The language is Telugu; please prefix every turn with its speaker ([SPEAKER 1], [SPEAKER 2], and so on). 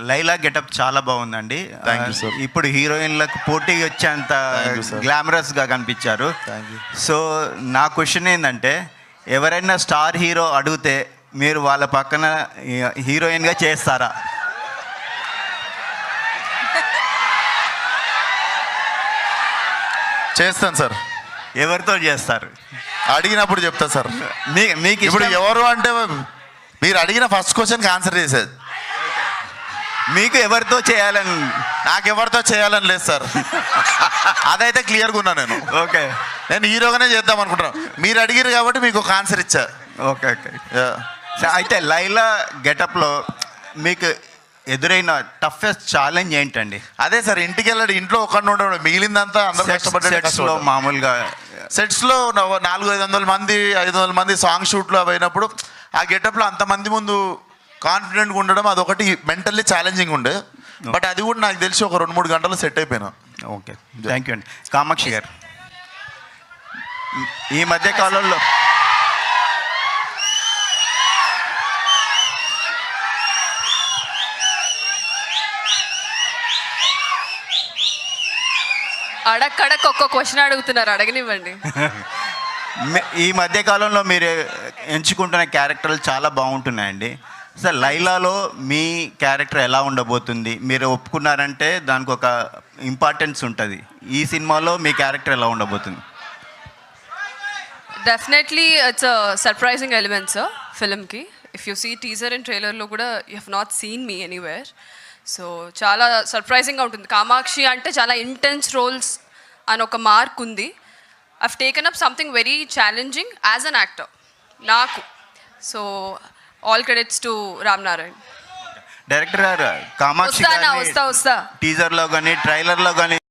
[SPEAKER 1] లైలా గెటప్ చాలా బాగుందండి.
[SPEAKER 2] Thank you, sir.
[SPEAKER 1] ఇప్పుడు హీరోయిన్లకు పోటీ వచ్చేంత
[SPEAKER 2] Thank you, sir.
[SPEAKER 1] గ్లామరస్గా కనిపించారు.
[SPEAKER 2] Thank you.
[SPEAKER 1] సో నా క్వశ్చన్ ఏంటంటే, ఎవరైనా స్టార్ హీరో అడిగితే మీరు వాళ్ళ పక్కన హీరోయిన్గా చేస్తారా?
[SPEAKER 2] చేస్తాను సార్.
[SPEAKER 1] ఎవరితో చేస్తారు?
[SPEAKER 2] అడిగినప్పుడు చెప్తా సార్.
[SPEAKER 1] మీకు
[SPEAKER 2] ఇప్పుడు ఎవరు అంటే మీరు అడిగిన ఫస్ట్ క్వశ్చన్కి ఆన్సర్ చేసేది.
[SPEAKER 1] మీకు ఎవరితో చేయాలని?
[SPEAKER 2] నాకు ఎవరితో చేయాలని లేదు సార్. అదైతే క్లియర్గా ఉన్నా నేను.
[SPEAKER 1] ఓకే,
[SPEAKER 2] నేను హీరోగానే చేద్దాం అనుకుంటున్నాను. మీరు అడిగిరు కాబట్టి మీకు ఒక ఆన్సర్ ఇచ్చా.
[SPEAKER 1] Okay okay. అయితే లైలా గెటప్లో మీకు ఎదురైన టఫెస్ట్ ఛాలెంజ్ ఏంటండి?
[SPEAKER 2] అదే సార్, ఇంటికి వెళ్ళాడు, ఇంట్లో ఒక్కడిని ఉండడు, మిగిలిందంతా అందరూ
[SPEAKER 1] సెట్స్లో మామూలుగా
[SPEAKER 2] సెట్స్లో 400-500 మంది 500 మంది సాంగ్ షూట్లో అయినప్పుడు ఆ గెటప్లో అంతమంది ముందు కాన్ఫిడెంట్గా ఉండడం అదొకటి మెంటల్లీ ఛాలెంజింగ్ ఉండే. బట్ అది కూడా నాకు తెలిసి ఒక 2-3 గంటలు సెట్ అయిపోయినా.
[SPEAKER 1] ఓకే, థ్యాంక్ యూ అండి. కామాక్షి గారు, ఈ మధ్య కాలంలో
[SPEAKER 3] అడక్కడక్ ఒక్క క్వశ్చన్ అడుగుతున్నారు, అడగనివ్వండి.
[SPEAKER 1] ఈ మధ్య కాలంలో మీరు ఎంచుకుంటున్న క్యారెక్టర్లు చాలా బాగుంటున్నాయండి. సార్, లైలాలో మీ క్యారెక్టర్ ఎలా ఉండబోతుంది? మీరు ఒప్పుకున్నారంటే దానికి ఒక ఇంపార్టెన్స్ ఉంటుంది. ఈ సినిమాలో మీ క్యారెక్టర్ ఎలా ఉండబోతుంది?
[SPEAKER 3] Definitely it's a surprising element sir ఫిల్మ్కి. If you see teaser and ట్రైలర్లో కూడా you have not seen me anywhere. So చాలా సర్ప్రైజింగ్గా ఉంటుంది. కామాక్షి అంటే చాలా ఇంటెన్స్ రోల్స్ అని ఒక మార్క్ ఉంది. I've taken up something very challenging as an actor నాకు. So all credits to Ram Narayan.
[SPEAKER 1] Director గారు, కామాక్షి
[SPEAKER 3] వస్తా
[SPEAKER 1] టీజర్లో కానీ ట్రైలర్లో కానీ